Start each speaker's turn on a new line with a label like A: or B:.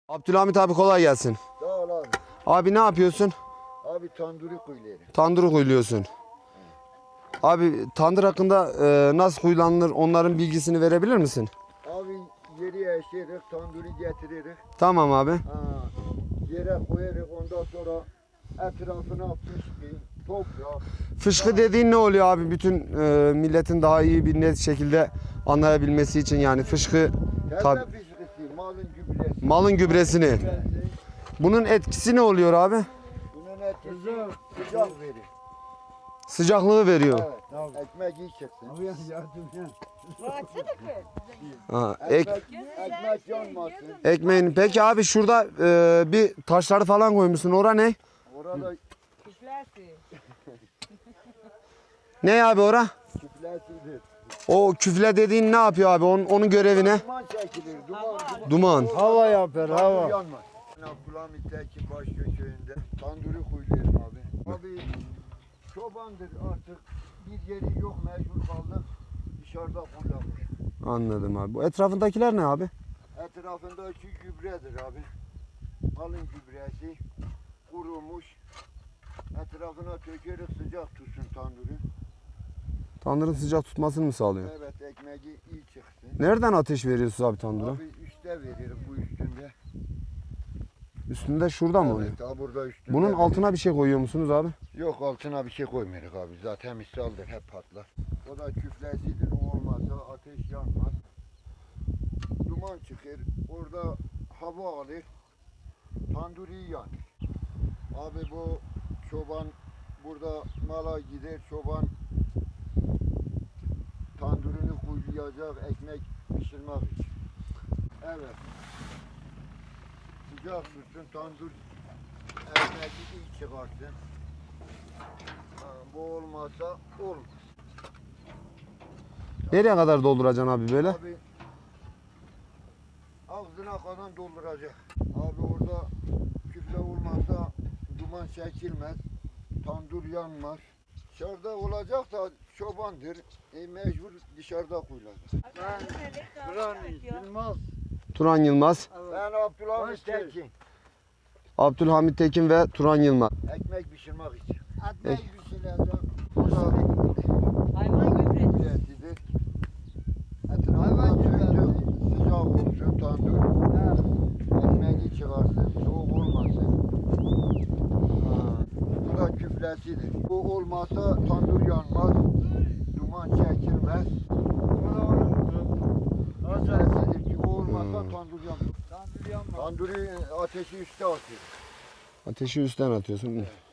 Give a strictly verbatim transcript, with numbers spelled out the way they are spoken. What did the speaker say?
A: Abdülhamit abi kolay gelsin.
B: Sağ ol abi.
A: Abi ne yapıyorsun?
B: Abi tanduri kuyuları.
A: Tandır kuyuluyorsun. Abi tandır hakkında e, nasıl kuyulanır onların bilgisini verebilir misin?
B: Abi yeri eşeriz, tanduri getiririz.
A: Tamam abi.
B: Ha, yere koyarız, ondan sonra etrafına fışkı, toprak.
A: Fışkı dediğin ne oluyor abi? Bütün e, milletin daha iyi bir net şekilde anlayabilmesi için yani fışkı
B: Tezme
A: tabi
B: fışkısı, malın gübresi.
A: malın gübresini.
B: Gübresi.
A: Bunun etkisi ne oluyor abi?
B: Bunun etkisi sıcak verir.
A: Sıcaklığı veriyor.
B: Evet, ekmek iyi çıksın.
A: Ha, ek,
B: Ekmek, ekmek yanmasın.
A: ekmeğin. Peki abi şurada e, bir taşları falan koymuşsun. Ora ne?
B: Orada
A: Ne abi ora?
B: küflesidir.
A: O küfle dediğin ne yapıyor abi? Onun, onun görevi ne?
B: Duman çekilir, duman, duman.
A: Duman.
C: Hava yapar,
B: Tandır
C: hava.
B: yanmaz. Abdülhamit Tekin Başköşeği'nde tandırı kuyulayım abi. Abi çobandır artık bir yeri yok, mecbur kaldık dışarıda kullanmış.
A: Anladım abi. Bu etrafındakiler ne abi?
B: Etrafındaki gübredir abi. Malın gübresi kurumuş. Etrafına tökeriz sıcak tutsun tandırı.
A: Tandırın sıcak tutmasını mı sağlıyor?
B: Evet, ekmeği iyi çıksın.
A: Nereden ateş veriyorsunuz abi tandıra?
B: Abi üstte verir bu üstünde.
A: Üstünde şurada mı oluyor?
B: Evet, ha burada üstünde.
A: Bunun
B: verir.
A: altına bir şey koyuyor musunuz abi?
B: Yok, altına bir şey koymuyoruz abi. Zaten misaldır, hep patlar. O da küflesidir. O olmazsa ateş yanmaz. Duman çıkır. Orada hava alır. Tanduri yanır. Abi bu çoban burada mala gider. Çoban tandurunu kuyulayacak ekmek pişirmek için. Evet. Sıcak tutsun tandur ekmeği iyi çıkarsın. Ha, bu olmazsa olmaz.
A: Nereye kadar dolduracaksın abi böyle?
B: Abi ağzına kadar dolduracak. Abi orada küfle olmazsa duman çekilmez. Tandur yanmaz. Dışarıda olacak da çobandır. E, mecbur dışarıda kuyulacak.
C: Duran Yılmaz.
A: Turan Yılmaz,
B: Ben Abdülhamit
C: Hoş
B: Tekin.
A: Abdülhamit Tekin ve Turan Yılmaz.
B: Ekmek pişirmek için.
C: Ekmek pişireceğim.
B: Burada
D: Hayvan gübresi.
B: gübresidir. Etrafına söktüm. Sıcak olsun tandır. Ekmeği çıkarsın. Soğuk olmasın. Ha, bu da küflesidir. Bu olmazsa tandır yanmaz. Duman çekilmez. Küflesidir ki o olmazsa
A: Hmm.
B: tandır yanmaz.
C: Tandır yanmaz.
B: Tandırı ateşi üstte atıyor.
A: Ateşi üstten atıyorsun.
B: Evet.